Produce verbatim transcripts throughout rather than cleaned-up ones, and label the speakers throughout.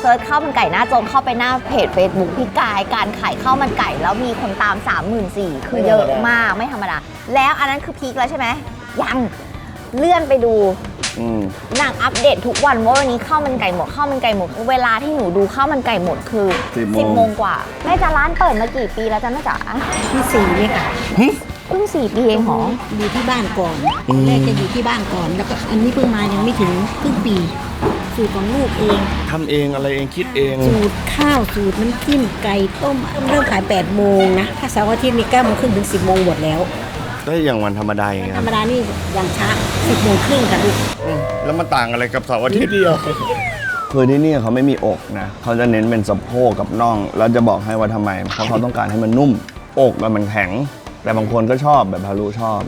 Speaker 1: ซิร์ชข้าวมันไก่หน้าจงเข้าไปหน้าเพจ Facebook พี่กายการขายข้าวมันไก่แล้วมีคนตาม สามหมื่นสี่พัน คือเยอะมากไม่ธรรมดาแล้วอันนั้นคือพีคแล้วใช่ไหมยังเลื่อนไปดูนางอัปเดตทุกวันว่าวันนี้ข้าวมันไก่หมดข้าวมันไก่หมดเวลาที่หนูดูข้าวมันไก่หมดคือสิบโมงกว่าแม่จ๋าร้านเปิดมากี่ปีแล้วจ๊ะแม่จ๋า
Speaker 2: ที่สี่เนี่ยค่ะ
Speaker 1: เพิ่งสี่ปีเองเหรอ
Speaker 2: อยู่ที่บ้านก่อนแรกจะอยู่ที่บ้านก่อนแล้วก็อันนี้เพิ่งมายังไม่ถึงครึ่งปีสูตรของลูกเอง
Speaker 3: ทำเองอะไรเองคิดเอง
Speaker 2: สูตรข้าวสูตรน้ำจิ้มไก่ต้มเริ่มขายแปดโมงนะถ้าเสาร์อาทิตย์มีเก้าโมงครึ่งถึงสิบโมงหมดแล้ว
Speaker 3: ได้อย่างวันธรรมดาอย่างเงี้ย
Speaker 2: ธรรมดานี่อย่างช้าสิบโมงครึ่งค่ะลูก
Speaker 3: แล้วมันต่างอะไรกับเสาร์อาทิตย์เดียวคือที่นี่เขาไม่มีอกนะเขาจะเน้นเป็นสะโพกกับน่องแล้วจะบอกให้ว่าทำไมเพราะเขาต้องการให้มันนุ่มอกมันแข็งแต่บางคนก็ชอบแบบฮารุชอบ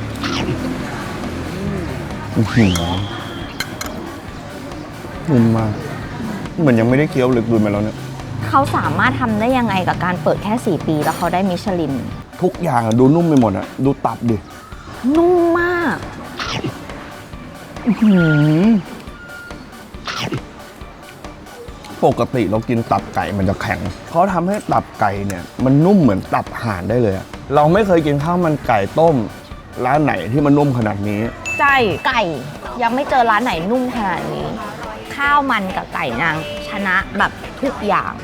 Speaker 3: นุ่มมากเหมือนยังไม่ได้เคี้ยวลึกดุนมาแล้วเนี่ย
Speaker 1: เขาสามารถทำได้ยังไงกับการเปิดแค่สี่ปีแล้วเขาได้มิชลิน
Speaker 3: ทุกอย่างอะดูนุ่มไปหมดอะดูตับดิ
Speaker 1: นุ่มมาก
Speaker 3: ปกติเรากินตับไก่มันจะแข็งเขาทำให้ตับไก่เนี่ยมันนุ่มเหมือนตับห่านได้เลยอะเราไม่เคยกินข้าวมันไก่ต้มร้านไหนที่มันนุ่มขนาดนี้
Speaker 1: ใช่ไก่ยังไม่เจอร้านไหนนุ่มขนาดนี้ ข้าวมันกับไก่นางชนะแบบทุกอย่าง